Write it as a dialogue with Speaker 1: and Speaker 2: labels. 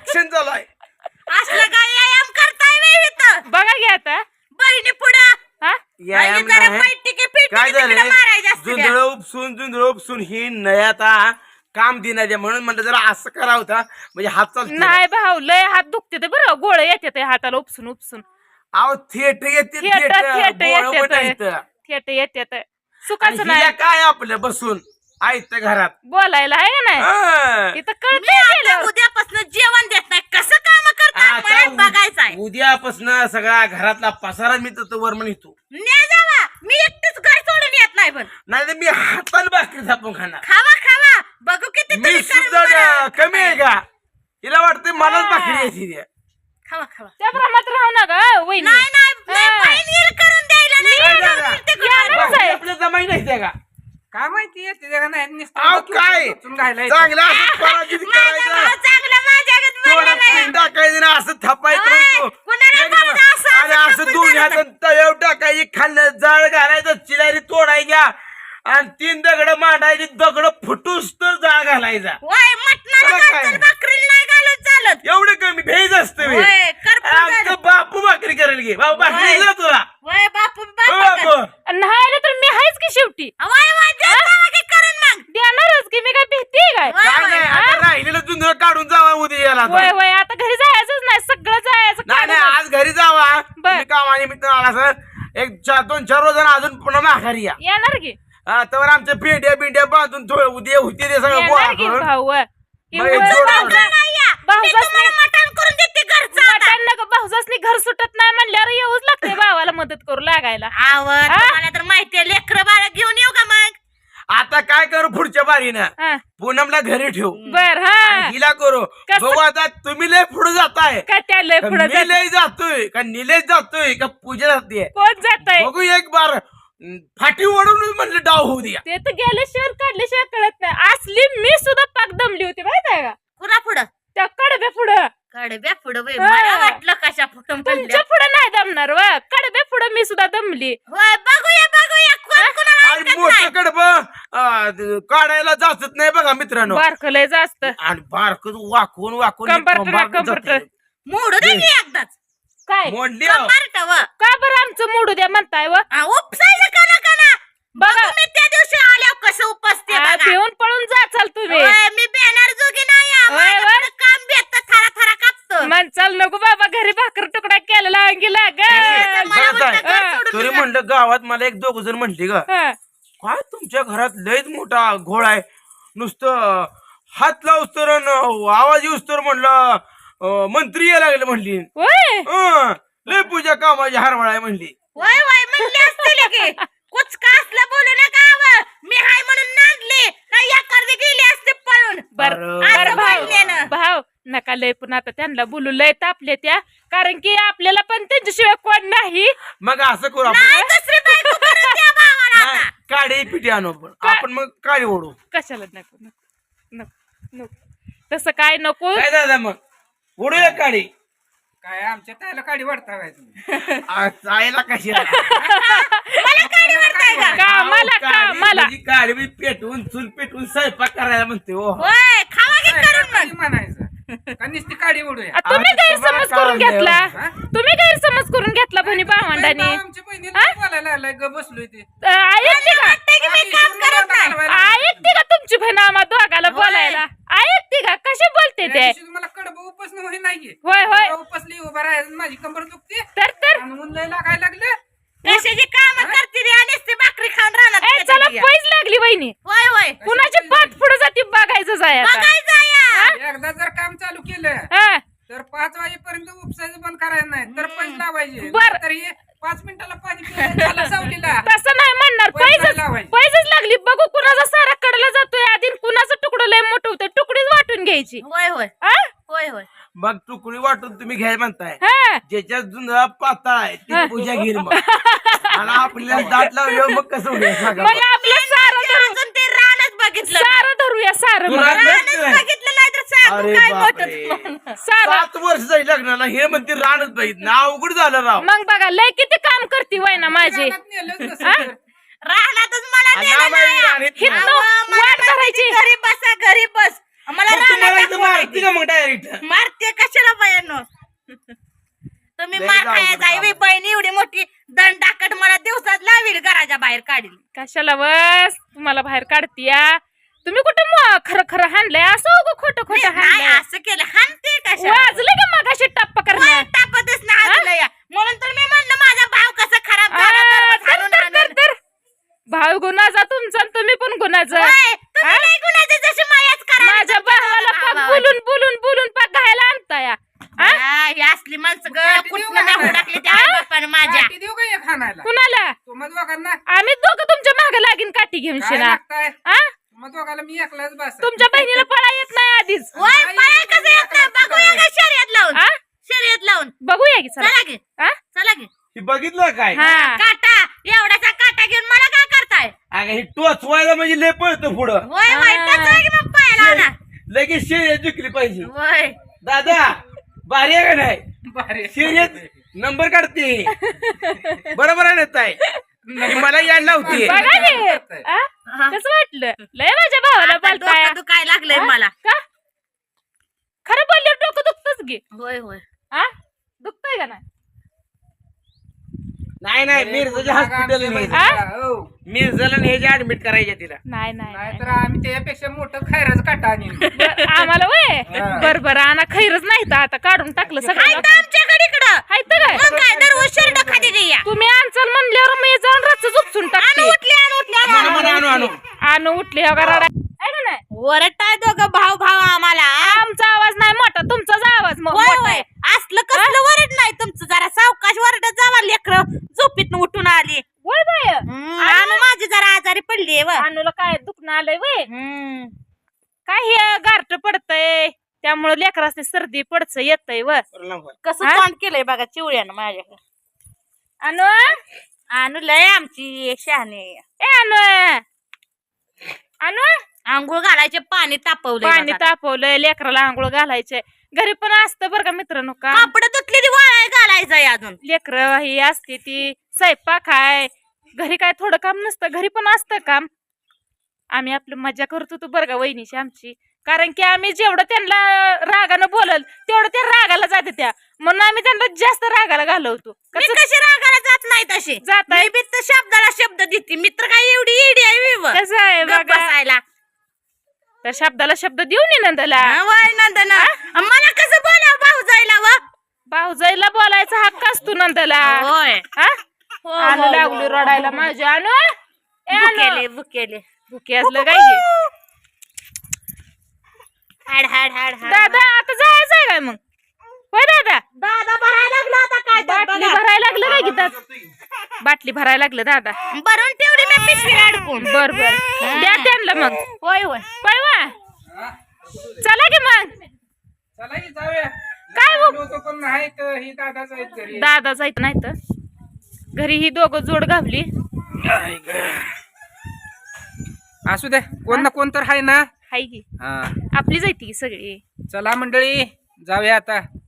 Speaker 1: Action चालू आहे.
Speaker 2: असलं काय व्यायाम करताय वे इथं
Speaker 3: बघा की आता
Speaker 2: बहिणी पुढं
Speaker 3: हा
Speaker 1: व्यायाम
Speaker 2: जरा
Speaker 1: नाही.
Speaker 2: पैटिके
Speaker 1: काय
Speaker 2: पिटिके
Speaker 1: झालंय
Speaker 2: मारायचं असतं त्या.
Speaker 1: जुंधळ उपसून ही नयाता काम देणार आहे म्हणून म्हणलं जरा असं करा होता म्हणजे हात चालतो.
Speaker 3: नाही भाऊ लय हात दुखते ते बरं गोळे येते ते हाताला उपसून उपसून
Speaker 1: अहो थिएटर येते
Speaker 3: थेट येते सुखाचं नाही
Speaker 1: काय आपलं बसून ऐकत घरात
Speaker 3: बोलायला आहे का नाही
Speaker 1: हा.
Speaker 3: इथं
Speaker 2: मी
Speaker 3: कळते
Speaker 2: आता उद्यापासून जेवण देत नाही कसं काम करतात मला बघायचं आहे.
Speaker 1: उद्यापासून सगळा घरातला पसारा मी तर वर म्हणतो.
Speaker 2: न्या जावा मी एकटीच घर सोडून येत नाही पण
Speaker 1: नाही तर मी हाताला भाकरी थापून खाणार.
Speaker 2: खावा खावा बघू किती
Speaker 1: मी
Speaker 2: तुम्ही
Speaker 1: सुद्धा
Speaker 2: करून
Speaker 1: कमी आहे का हिला वाटतं मलाच भाकरी यायची ती.
Speaker 2: खावा खावा
Speaker 3: त्या प्रमाणात राहू नका वहिनी
Speaker 2: नाही नाही बहीण येईल करून द्यायला नाही
Speaker 1: काय
Speaker 2: येणार
Speaker 1: झालं?
Speaker 2: ते करून.
Speaker 1: भाकरी आपल्या जमाई नाही त्या का
Speaker 4: काय माहिती येते का नाही नुसतं
Speaker 1: अहो
Speaker 4: बसून
Speaker 1: काय
Speaker 4: टोचून घायला येतं.
Speaker 1: चांगलं असं पराजित
Speaker 2: माझा
Speaker 1: करायचं
Speaker 2: भाऊ चांगला माझ्यागत
Speaker 1: थोडं
Speaker 2: बोलला नाही.
Speaker 1: पीठ टाकायचं ना असं थापायचं
Speaker 2: ओय,
Speaker 1: म्हणतो.
Speaker 2: कुणाला
Speaker 1: एकदम.
Speaker 2: बोलता असं
Speaker 1: आणि
Speaker 2: असं
Speaker 1: असं
Speaker 2: थापून
Speaker 1: दोन्ही
Speaker 2: द्यायचं.
Speaker 1: हातात तव्यावर टाकायची खाल्लं जाळ घालायचं चिलारी तोडायच्या आणि 3 दगड मांडायची दगड फुटूस तर जाळ घालायचा.
Speaker 2: वय मटणाला
Speaker 1: बरं काय?
Speaker 2: घालतात, भाकरीला नाही घालत चालत.
Speaker 1: एवढं कमी भेज असतं बे.
Speaker 2: वय, करपून
Speaker 1: आमचं
Speaker 2: झालं.
Speaker 1: बापू भाकरी करायला घे बाबू भाकरी
Speaker 2: वय.
Speaker 1: दिला तुला
Speaker 2: वय बापू
Speaker 1: हो
Speaker 2: बापू
Speaker 1: बापू
Speaker 3: नाही तर मी आहेच की शेवटी
Speaker 2: वय वय जे जावा की करून मग.
Speaker 3: देणारच की मी काय भीती काय
Speaker 2: वय,
Speaker 1: काय
Speaker 2: वय.
Speaker 1: नाही आता राहिलेलं जुंधळ काढून जावा उद्या याला आता.
Speaker 3: वय वय आता घरी जायचंच नाही सगळं जायचं
Speaker 1: नाही नाही
Speaker 3: काढूनच.
Speaker 1: आज घरी जावा
Speaker 3: बर.
Speaker 1: तुम्ही कामानिमित्त आला सर एक 2-4 रोज आजून पुन्हा माघारी या
Speaker 3: येणार की
Speaker 1: तर आमच्या बिंड्या बांधून थोडं उद्या होते ते सगळं गोळा
Speaker 3: येणार की
Speaker 1: करून
Speaker 3: भाऊ
Speaker 1: मग एक जोड
Speaker 2: भाऊजा नाही या.
Speaker 3: भाऊजाच
Speaker 2: मी तुम्हाला मटण करून देते घरचं आता.
Speaker 3: मटण नका भाऊजासनी घर सुटत नाही म्हणल्यावर येऊच लागते भावाला मदत करू लागायला
Speaker 2: आवड तुम्हाला तर माहितीये लेकरं बाळा घेऊन येऊ का मग
Speaker 1: आता काय करू पुढच्या बारीनं
Speaker 3: हा.
Speaker 1: पूनमला घरी ठेवू
Speaker 3: बर हा
Speaker 1: आणि हिला करू
Speaker 3: कसं?
Speaker 1: बघू आता तुम्ही लय पुढे जाताय
Speaker 3: का त्या लय
Speaker 1: का
Speaker 3: पुढे
Speaker 1: मी लय जातोय का निलेश जातोय का पूजा जाते
Speaker 3: कोण जात
Speaker 1: बघू एक बार फाटी ओढून म्हणलं डाव होऊ द्या.
Speaker 3: ते तर गेल्याशिवाय काढल्याशिवाय कळत नाही असली मी सुद्धा पाक दमली होती माहित आहे का
Speaker 2: कुणा पुढं
Speaker 3: त्या कडब्या पुढं
Speaker 2: कडब्या पुढं बाई
Speaker 3: हा.
Speaker 2: मला वाटलं कशा फुटून
Speaker 3: तुमच्या
Speaker 2: पडल्या.
Speaker 3: पुढं नाही दमणार व कडब्या पुढं मी सुद्धा दमली
Speaker 2: होय बघूया कोण कुणाला
Speaker 1: आणि
Speaker 2: ऐकत
Speaker 1: मोठं
Speaker 2: नाही.
Speaker 1: कडब काढायला जाचत नाही बघा मित्रांनो
Speaker 3: बारकलय जास्त
Speaker 1: आणि बारक वाकून वाकून
Speaker 3: कंबरट
Speaker 2: मोडू दे की एकदाच
Speaker 3: काय
Speaker 1: मोडली
Speaker 2: कंबारट व
Speaker 3: का बरं आमचं मोडू द्या म्हणताय व
Speaker 2: उपसायचं का ना
Speaker 3: बघा
Speaker 2: मी त्या दिवशी आल्यावर कसं उपसते बघा.
Speaker 3: पिऊन पळून जाचाल तुम्ही
Speaker 2: होय, मी बॅनर जोगी नाही आहे.
Speaker 3: होय, होय.
Speaker 2: माझ्याकडे काम भेटतं थरा थरा कापतो
Speaker 3: म्हणचाल नको बाबा घरी भाकर तुकडा केलेला अंगीला
Speaker 2: मला
Speaker 1: बरं
Speaker 2: उलटं घर सोडून
Speaker 1: तरी
Speaker 2: दिलं.
Speaker 1: म्हणलं गावात मला 1-2 जण म्हणली ग काय तुमच्या घरात लयच मोठा घोळ आहे नुसतं हात लावूस तर आवाज येऊस तर म्हणलं मंत्री यायला लागले म्हणली लय पूजा कामाची हरवळ आहे म्हणली.
Speaker 2: वय म्हणले असतील की कुछ का असलं बोलू नका आवं. मी हाय म्हणून नांदले नाही एखादी गेली असते पळून
Speaker 3: बर
Speaker 1: अरे,
Speaker 3: बर
Speaker 2: म्हणले ना.
Speaker 3: भाव नका लय पण आता त्यांना बोलू लय तापले त्या कारण की आपल्याला पण त्यांच्याशिवाय कोण नाही
Speaker 1: मग असं करू आपण
Speaker 2: नाही दुसरी बायको करून द्या भावाला
Speaker 1: नाही,
Speaker 2: आता.
Speaker 1: काडी पिटी आणू आपण मग काडी ओढू
Speaker 3: कशाला नको नको नको नको तसं काय नको
Speaker 1: काय दादा मग ओढूया काडी
Speaker 4: काय आमच्या त्याला काडी वाढता काय तुम्ही
Speaker 1: जायला कशी
Speaker 2: मला काडी वाटताय का
Speaker 3: कामाला
Speaker 1: काडी बी पेटवून चूल पेटवून स्वयंपाक करायला म्हणते हो
Speaker 2: होय खावा की करून
Speaker 4: काडी
Speaker 2: मग
Speaker 4: म्हणायचं का नुसती काडी ओढूया
Speaker 3: तुम्ही
Speaker 1: आम्ही
Speaker 3: गैरसमज
Speaker 1: तुम्हाला
Speaker 3: करून
Speaker 1: काय
Speaker 3: घेतला
Speaker 4: हा?
Speaker 3: तुम्ही गैरसमज करून घेतला बहिणी भावंडाने
Speaker 4: आमच्या बहिणीला बोलायला लागलाय ग बसलोय ते
Speaker 3: ऐकते का
Speaker 2: वाटतंय की मी काम करत नाही
Speaker 3: ऐकते का तुमची बहीण आम्हा दोघाला
Speaker 2: होय.
Speaker 3: बोलायला ऐकते का कशी बोलते ते
Speaker 4: मला कडब उपसणं होई नाहीये
Speaker 3: होय होय
Speaker 4: मला उपसली उभा राहायचं माझी कंबर दुखते
Speaker 3: तर
Speaker 4: आणि ऊन लय लागायला लागलं
Speaker 2: कशाची काम करते रे आणि ती भाकरी खाऊन राहणार
Speaker 3: ए, चला पैज लागली बहिणी
Speaker 2: होय होय
Speaker 3: कुणाची पाठ पुढे जाते बघायचं जाय आता
Speaker 2: बघायचं या
Speaker 4: एकदा जर काम चालू केलं
Speaker 3: हा,
Speaker 4: तर 5 वाजेपर्यंत उपसायचं बंद करायचं नाही तर पैसे लावायचे
Speaker 3: बर.
Speaker 4: तरी 5 मिनिटाला पाणी पिऊन झाला सावलीला
Speaker 3: तसं नाही म्हणणार
Speaker 4: पैज नाही लावायचे.
Speaker 3: पैजच लागली बघू कुणाचा सारा कडला जातोय आधी कुणाचं तुकडं लय मोठं होतं तुकडीच वाटून घ्यायची
Speaker 2: होय होय
Speaker 3: हा?
Speaker 2: होय होय
Speaker 1: मग तुकडी वाटून तुम्ही घ्याय म्हणताय
Speaker 3: हा.
Speaker 1: ज्याच्यात जुंधळा पातळ आहे ती पूजा घेईल मग आणि आपल्याला दाट लावल्यावर मग कसं होईल सांगा
Speaker 3: मग आपलं सारं धरू
Speaker 2: अजून ते रानच बघितलं
Speaker 3: सारं धरूया सारं
Speaker 1: तू
Speaker 3: मग.
Speaker 1: रान
Speaker 2: रानच
Speaker 1: बघितलंय?
Speaker 2: बघितलं नाही तर सांगू
Speaker 1: अरे
Speaker 2: काय
Speaker 1: बापरे.
Speaker 2: मोठं
Speaker 3: सारं
Speaker 1: 7 वर्ष जाईल लग्नाला हे म्हणते रानच पाहिजे ना अवघड झालं राव
Speaker 3: मग बघा लय किती काम करते वय ना माझी
Speaker 4: रानात नेलंच नसेल तर.
Speaker 2: रानातच मला
Speaker 1: आणि
Speaker 2: नेलं
Speaker 1: आम्हाला
Speaker 2: नाही.
Speaker 1: रानात
Speaker 3: हिथनं
Speaker 2: अहो, मला
Speaker 3: वाट
Speaker 2: म्हणते
Speaker 3: धरायची.
Speaker 2: की घरी बसा घरी बस मला
Speaker 1: मग तुम्हाला
Speaker 2: रानात
Speaker 1: इथं
Speaker 2: दाखवा.
Speaker 1: मारते मारती का मग डायरेक्ट?
Speaker 2: मारते कशाला बायांनो? तुम्ही
Speaker 1: लय
Speaker 2: मार
Speaker 1: जाऊ
Speaker 2: खाया
Speaker 1: बरं
Speaker 2: जाई बहीण एवढी मोठी दंडाकट मला दिवसात लावील घराच्या बाहेर काढील.
Speaker 3: कशाला बस तुम्हाला बाहेर काढतीया? तुम्ही कुठं खरं खरं हाणलंय असं उगं खोटं खोटं
Speaker 2: नाही
Speaker 3: हाणलंय?
Speaker 2: असं केलं हानते कशा
Speaker 3: वाजलं का मगाशी टप्पा करणं?
Speaker 2: टापतच ना हाजलं या. म्हणून तर मी म्हणलं माझा भाव कसा खराब झाला दररोज हाणून हाणून.
Speaker 3: तर भाऊ गुणाचा तुमचा आणि तुम्ही पण गुणाचा.
Speaker 2: होय, तुम्ही नाही गुणाचे जशी मायाच करा.
Speaker 3: माझ्या भावाला पाक बोलून बोलून बोलून पाक घायला आणताय.
Speaker 2: ही असली माणसं ग कुठनं मागू टाकली त्या बापानं माझ्या.
Speaker 4: काठी देऊ का एक खानायला?
Speaker 3: कुणाला?
Speaker 4: तुम्हा दोघांना
Speaker 3: आम्ही दोघं तुमच्या मागे लागीन काठी घेऊन
Speaker 4: काय
Speaker 3: शिना.
Speaker 4: लागताय?
Speaker 3: हा?
Speaker 4: तुम्हा दोघाला मी एकलाच बस.
Speaker 3: तुमच्या बहिणीला पळा येत नाही आधीच.
Speaker 2: होय पाया कसं येत नाही बघूया का शर्यत लावून.
Speaker 3: हा?
Speaker 2: शर्यत लावून
Speaker 3: बघूया की चला.
Speaker 2: चला की
Speaker 3: हा?
Speaker 2: चला की.
Speaker 1: हे बघितलं काय?
Speaker 3: हा.
Speaker 2: काटा एवढाचा काटा घेऊन मला काय करताय?
Speaker 1: अगं हे टोचवायला म्हणजे लय पळतं पुढं.
Speaker 2: होय वाईटच आहे की मग पायाला आणा.
Speaker 1: लगेच शर्यत जिंकली पाहिजे.
Speaker 2: होय
Speaker 1: दादा भारी आहे का नाही?
Speaker 4: भारी.
Speaker 1: शर्यत नंबर काढते. बरोबर आहे ना ताई? मला याड लावते.
Speaker 3: बघा की. हा? कसं वाटलं? लय माझ्या भावाला
Speaker 2: आता
Speaker 3: बोलताय.
Speaker 2: डोकं दुखाय लागलंय
Speaker 3: हा?
Speaker 2: मला.
Speaker 3: का? खरं बोलल्यावर डोकं दुखतच घे.
Speaker 2: होय होय
Speaker 3: हा? दुखतंय का नाही?
Speaker 1: नाही नाही मिरजाच्या हॉस्पिटल
Speaker 4: हो.
Speaker 1: मिरजाला न्यायचे ऍडमिट करायच्या तिला.
Speaker 3: नाही नाही नाही.
Speaker 4: नाहीतर आम्ही त्यापेक्षा मोठं खैराच काटा आणीन.
Speaker 3: आम्हाला वय
Speaker 4: हा.
Speaker 3: बर आणा खैरच नाही तर आता काढून टाकलं
Speaker 2: हाय
Speaker 3: सगळं.
Speaker 2: तर आमच्याकडे इकडं.
Speaker 3: हाय तर काय?
Speaker 2: मग काय दररोज शर्ट खाली द्या.
Speaker 3: तुम्ही आणचाल म्हणल्यावर मी जाऊन रच उपसून टाकते.
Speaker 1: म्हणा म्हणा आणू आणू.
Speaker 3: आणू उठली हो का रडाय? आहे का नाही?
Speaker 2: वरटाय दोघं भाऊ भाऊ आम्हाला.
Speaker 3: आमचा आवाज नाही मोठा तुमचाच आवाज मग
Speaker 2: होय
Speaker 3: मोठा
Speaker 2: होय
Speaker 3: आहे.
Speaker 2: असलं कसलं वरड नाही तुमचं. जरा सावकाश वरडत जावा लेकर झोपीतनं उठून आली.
Speaker 3: होय बाय.
Speaker 2: आणि माझी जरा आजारी पडली व.
Speaker 3: आणूला काय दुखणं आलंय वय? काय हे गारट पडतंय त्यामुळे लेकरासनी सर्दी पडच येतय व.
Speaker 2: कसं
Speaker 3: हा?
Speaker 2: तोंड केलंय बघा चिवळ्यानं माझ्याकडे.
Speaker 3: आणू
Speaker 2: आणू लय आमची शहाणी.
Speaker 3: ए आणू आणू
Speaker 2: आंघोळ घालायचे पाणी तापवलंय
Speaker 3: पाणी
Speaker 2: बघा.
Speaker 3: तापवलंय लेकराला आंघोळ घालायचे. घरी पण असतं बरं का मित्रांनो का
Speaker 2: कापड तुटलेली वाळाय घालायचंय अजून.
Speaker 3: लेकर ही असते ती स्वयंपाक आहे. घरी काय थोडं काम नसतं घरी पण असतं काम. आम्ही आपली मजा करत होतो बरं का वहिनीची आमची. कारण की आम्ही जेवढं त्यांना रागानं बोलल तेवढं त्या रागाला जाते त्या. म्हणून आम्ही त्यांना जास्त रागाला घालवतो.
Speaker 2: मी कशी रागाला जात नाही तशी.
Speaker 3: जात आहे.
Speaker 2: मी बी तर शब्दाला शब्द देते. मित्र काय एवढी इडी आहे मी व.
Speaker 3: कसं आहे
Speaker 2: गप्प
Speaker 3: बघा
Speaker 2: बसायला.
Speaker 3: त्या शब्दाला शब्द देऊन ये नंदला.
Speaker 2: हा, वय नंदना. मला कसं बोलाव भाऊ जायला व.
Speaker 3: भाऊजाईला बोलायचा हक्क असतो नंदला.
Speaker 2: होय
Speaker 3: हा?
Speaker 2: हो,
Speaker 3: आणू
Speaker 2: हो,
Speaker 3: लागली
Speaker 2: हो.
Speaker 3: रडायला माझी. आणू ए
Speaker 2: बुकेले
Speaker 3: आणू
Speaker 2: बुकेले.
Speaker 3: भुके असलं काय हे?
Speaker 2: हाड हाड हाड हाड.
Speaker 3: दादा आता जायचंय काय मग? होय दादा
Speaker 2: दादा भरायला लागला आता काय तर
Speaker 3: बाटली
Speaker 2: बघा.
Speaker 3: भरायला लागलं काय गीतात? बाटली भरायला लागलं दादा.
Speaker 2: भरून ठेवली मी पिशवी अडकून.
Speaker 3: बर बर द्या त्यांना मग.
Speaker 2: होय होय.
Speaker 3: पळवा
Speaker 4: हा?
Speaker 3: चला की मग.
Speaker 4: चला की जाऊया.
Speaker 3: काय हो?
Speaker 4: लोक पण नाहीत ही दादाच आहेत घरी.
Speaker 3: दादा जायचं नाही तर घरी ही दोघं जोड घावली.
Speaker 4: असू दे कोण ना कोण तर आहे ना.
Speaker 3: हाय की
Speaker 4: हा
Speaker 3: आपली जायती की सगळी.
Speaker 4: चला मंडळी जाऊया आता.